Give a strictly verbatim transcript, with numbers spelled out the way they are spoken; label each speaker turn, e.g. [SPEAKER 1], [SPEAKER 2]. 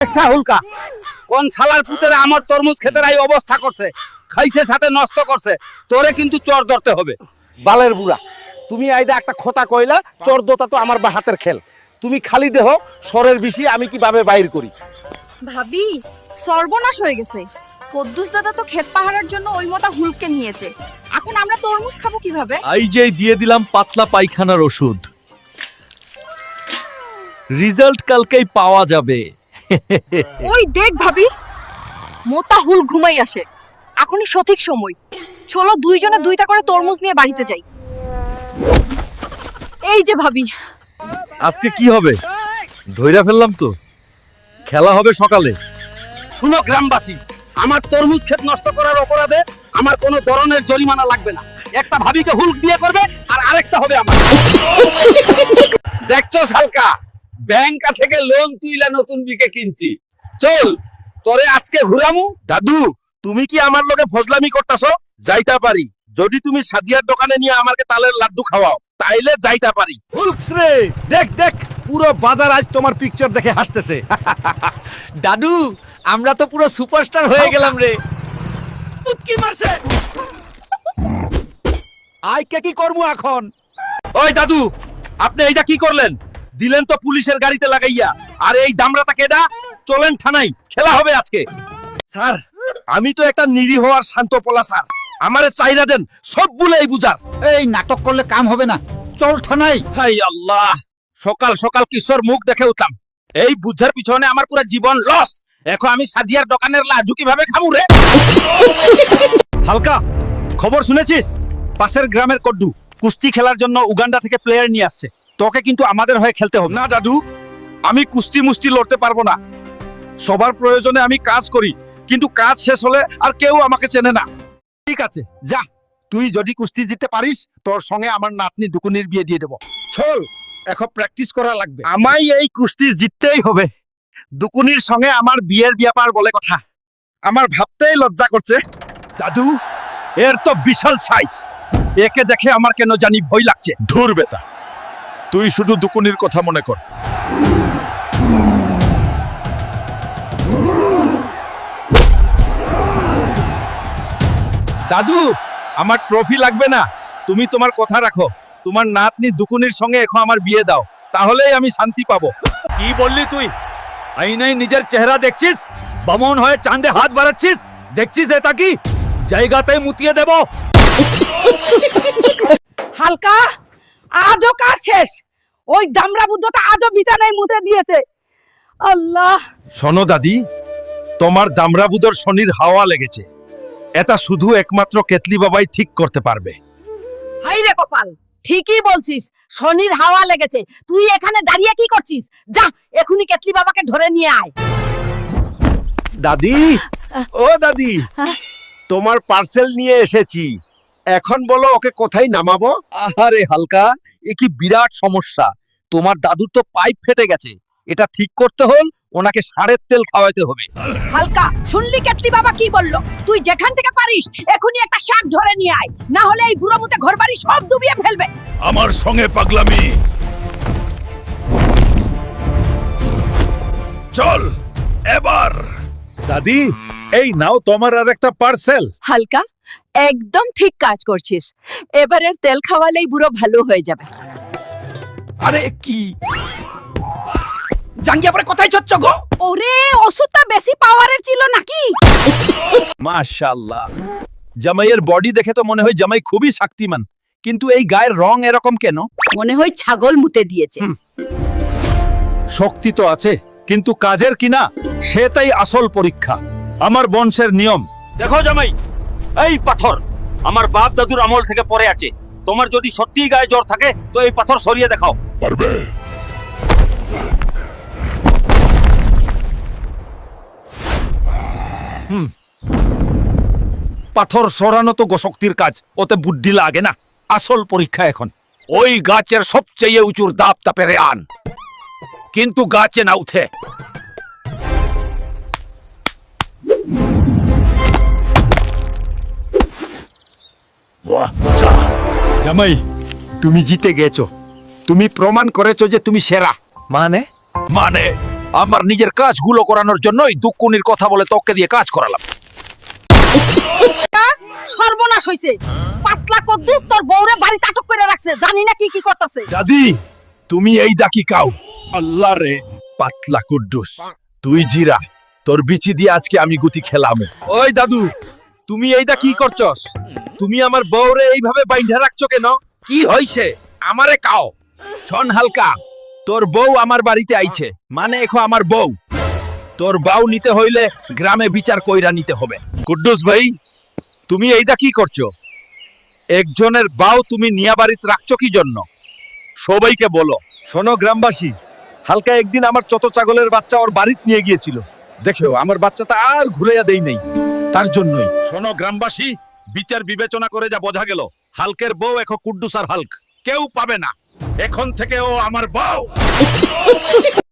[SPEAKER 1] হুলকা কোন শালার পুতেরা আমার তরমুজ ক্ষেতের এই অবস্থা করছে, খাইছে সাথে নষ্ট করছে। তোরে কিন্তু চোর ধরতে হবে। বালের বুড়া, তুমি আইদা একটা খোতা কইলা, চোর দোতা তো আমার হাতের খেল। তুমি খালি দেহ সরের বেশি আমি কিভাবে বাইর করি।
[SPEAKER 2] ভাবি সর্বনাশ হয়ে গেছে। কদ্দুস দাদা তো ক্ষেত পাহারার জন্য ওই মতা হুলকে নিয়েছে। এখন আমরা তরমুজ খাবো কিভাবে?
[SPEAKER 3] এই যে দিয়ে দিলাম পাতলা পায়খানার ওষুধ, রেজাল্ট কালকেই পাওয়া যাবে।
[SPEAKER 2] ওই দেখ ভাবি, মোতা হুল ঘুমাই আসে। এখনই সঠিক সময়। চলো দুইজনে দুইটা করে তরমুজ নিয়ে বাড়িতে যাই। এই যে ভাবি,
[SPEAKER 3] আজকে কি হবে ধইরা ফেললাম তো, খেলা হবে সকালে।
[SPEAKER 1] শুনো গ্রামবাসী, আমার তরমুজ ক্ষেত নষ্ট করার অপরাধে আমার কোনো ধরনের জরিমানা লাগবে না। একটা ভাবিকে হুলক বিয়ে করবে আর আরেকটা হবে আমার। দেখছো শালকা, ব্যাংকা থেকে লোন তুইলা নতুন বিকে কিনছি। চল তোরে আজকে ঘুরামু।
[SPEAKER 4] দাদু, তুমি কি আমার লগে ফজলামি করতাছো? যাইতা পারি যদি তুমি সাদিয়ার দোকানে নিয়ে আমাকে তালের লাড্ডু খাওয়াও, তাইলে যাইতা পারি।
[SPEAKER 5] হুলকস রে, দেখ দেখ, পুরো বাজার আজ তোমার পিকচার দেখে হাসতেছে।
[SPEAKER 3] দাদু, আমরা তো পুরো সুপারস্টার হয়ে গেলাম রে।
[SPEAKER 1] কি মারছে?
[SPEAKER 5] আই কে কি করবো এখন?
[SPEAKER 4] ওই দাদু, আপনি এইটা কি করলেন? দিলেন তো পুলিশের গাড়িতে লাগাইয়া। আর এই দামরাটা কেডা? চলেন থানায়, খেলা হবে আজকে। স্যার, আমি তো একটা নিরীহ আর শান্ত পোলা স্যার, আমারে চাইরা দেন সব বুলেই বুঝার।
[SPEAKER 5] এই নাটক করলে কাম হবে না, চল থানায়।
[SPEAKER 4] হাই আল্লাহ, সকাল সকাল কিশোর মুখ দেখে উঠলাম। এই বুঝার পিছনে আমার পুরো জীবন লস। এখন আমি সাদিয়ার দোকানের লাজু কিভাবে খামুরে?
[SPEAKER 5] হালকা, খবর শুনেছিস? পাশের গ্রামের কড্ডু কুস্তি খেলার জন্য উগান্ডা থেকে প্লেয়ার নিয়ে আসছে। তোকে কিন্তু আমাদের হয়ে খেলতে হবে।
[SPEAKER 4] না দাদু, আমি কুস্তি মুস্তি লড়তে পারবো না। সবার প্রয়োজনে আমি কাজ করি, কিন্তু কাজ শেষ হলে আর কেউ আমাকে চেনে না।
[SPEAKER 5] ঠিক আছে, যা, তুই যদি কুস্তি জিততে পারিস তোর সঙ্গে আমার নাতনি দুকুনির বিয়ে দিয়ে দেবো। চল, এখন প্র্যাকটিস করা লাগবে।
[SPEAKER 4] আমায় এই কুস্তি জিততেই হবে। দুকুনির সঙ্গে আমার বিয়ের ব্যাপার বলে কথা, আমার ভাবতেই লজ্জা করছে। দাদু, এর তো বিশাল সাইজ, একে দেখে আমার কেন জানি ভয় লাগছে।
[SPEAKER 6] ধুর বেটা, তুই শুধু দুকুনির কথা মনে কর।
[SPEAKER 4] দাদু, আমার ট্রফি লাগবে না, তুমি তোমার কথা রাখো। তোমার নাতনি দুকুনির সঙ্গে এখন আমার বিয়ে দাও, তাহলেই আমি শান্তি পাবো।
[SPEAKER 5] কি বললি তুই? আইনাই নিজের চেহারা দেখছিস? বামন হয়ে চাঁদে হাত বাড়াচ্ছিস? দেখছিস এটা কি? জায়গাতেই মুতিয়ে দেব।
[SPEAKER 7] হালকা, আজও কাজ শেষ। ওই দামড়া বুদ্ধটা আজও বিছানায় মুতে দিয়েছে। আল্লাহ,
[SPEAKER 4] শোনো দাদি, তোমার দামরাবুদর শনির হাওয়া লেগেছে। এটা শুধু একমাত্র কেতলি বাবাই ঠিক করতে পারবে।
[SPEAKER 7] হাই রে কপাল, ঠিকই বলছিস, শনির হাওয়া লেগেছে। তুই এখানে দাঁড়িয়ে কি করছিস? যা, এখনি কেতলি বাবাকে ধরে নিয়ে আয়।
[SPEAKER 4] দাদি, ও দাদি, তোমার পার্সেল নিয়ে এসেছি। এখন বলো ওকে কোথায় নামাবো?
[SPEAKER 3] আহারে হালকা, এ কি বিরাট সমস্যা। তোমার দাদুর তো পাইপ ফেটে গেছে, এটা ঠিক করতে হল ওনাকে সারের তেল খাওয়াইতে হবে।
[SPEAKER 7] হালকা, শুনলি কেতলি বাবা কি বললো? তুই যেখান থেকে পারিস এখনি একটা শাক ধরে নিয়ে আয়, না হলে এই বুড়ো মুতে ঘরবাড়ি সব ডুবিয়ে ফেলবে।
[SPEAKER 6] আমার সঙ্গে পাগলামি, চল এবার।
[SPEAKER 4] দাদি, এই নাও তোমার আর একটা পার্সেল।
[SPEAKER 7] হালকা, একদম ঠিক কাজ করছিস। এবারের তেল খাওয়ালেই বুড়ো ভালো হয়ে যাবে।
[SPEAKER 4] আরে কি জাঙ্গিয়া পরে কোথায় চচ্চ গো?
[SPEAKER 7] ওরে, ওষুধটা বেশি পাওয়ারের ছিল নাকি?
[SPEAKER 4] মাশাআল্লাহ, জামাইয়ের বডি দেখে তো মনে হয় জামাই খুবই শক্তিমান, কিন্তু এই গায়ের রং এরকম কেন?
[SPEAKER 7] মনে হয় ছাগল মুতে দিয়েছে।
[SPEAKER 4] শক্তি তো আছে, কিন্তু কাজের কিনা সেটাই আসল পরীক্ষা। আমার বংশের নিয়ম। দেখো জামাই, এই পাথর আমার বাপ দাদুর আমল থেকে পড়ে আছে। তোমার যদি সত্যিই গায়ে জ্বর থাকে তো এই পাথর সরিয়ে দেখাও।
[SPEAKER 6] পারবে?
[SPEAKER 4] পাথর সরানো তো শক্তির কাজ, ওতে বুদ্ধি লাগে না। আসল পরীক্ষা এখন। ওই গাছের সবচেয়ে উঁচুর দাপ তাপেরে আন, কিন্তু গাছে না উঠে। জামাই, তুমি জিতে গেছো। তুমি প্রমাণ করেছো যে তুমি সেরা।
[SPEAKER 3] মানে
[SPEAKER 4] মানে
[SPEAKER 6] আমার নিজের কাজগুলো করানোর জন্যই দুকুনির কথা বলে তোকে দিয়ে কাজ করালাম।
[SPEAKER 7] সর্বনাশ হইছে। পাতলা কদ্দুস তোর বউরে বাড়িতে আটক করে রাখছে, জানি না কি কি করতেছে।
[SPEAKER 6] দাদি তুমি এই ডাকি কাও। আল্লাহ রে পাতলা কুদ্দুস, তুই জিরা, তোর বিচি দিয়ে আজকে আমি গুতি খেলাম।
[SPEAKER 4] ওই দাদু, তুমি এইটা কি করছস? তুমি আমার বউরে এইভাবে বাইন্ধা রাখছো কেন? কি হইছে? আমারে কাও।
[SPEAKER 6] শোন হালকা, তোর বউ আমার বাড়িতে আইছে, মানে এখন আমার বউ। তোর বাউ নিতে হইলে গ্রামে বিচার কইরা নিতে হবে।
[SPEAKER 4] কুদ্দুস ভাই, তুমি এইটা কি করছো? একজনের বাউ তুমি নিয়া বাড়িতে রাখছো কি জন্য? সবাইকে বলো। শোনো গ্রামবাসী, হালকা একদিন আমার চত ছাগলের বাচ্চা ওর বাড়িতে নিয়ে গিয়েছিল। দেখো আমার বাচ্চাটা আর ঘুরাইয়া দেই নাই, তার জন্যই।
[SPEAKER 6] শোনো গ্রামবাসী, বিচার বিবেচনা করে যা বোঝা গেল, হালকের বউ এখন কুদ্দুস আর হালক কেউ পাবে না। এখন থেকে ও আমার বউ।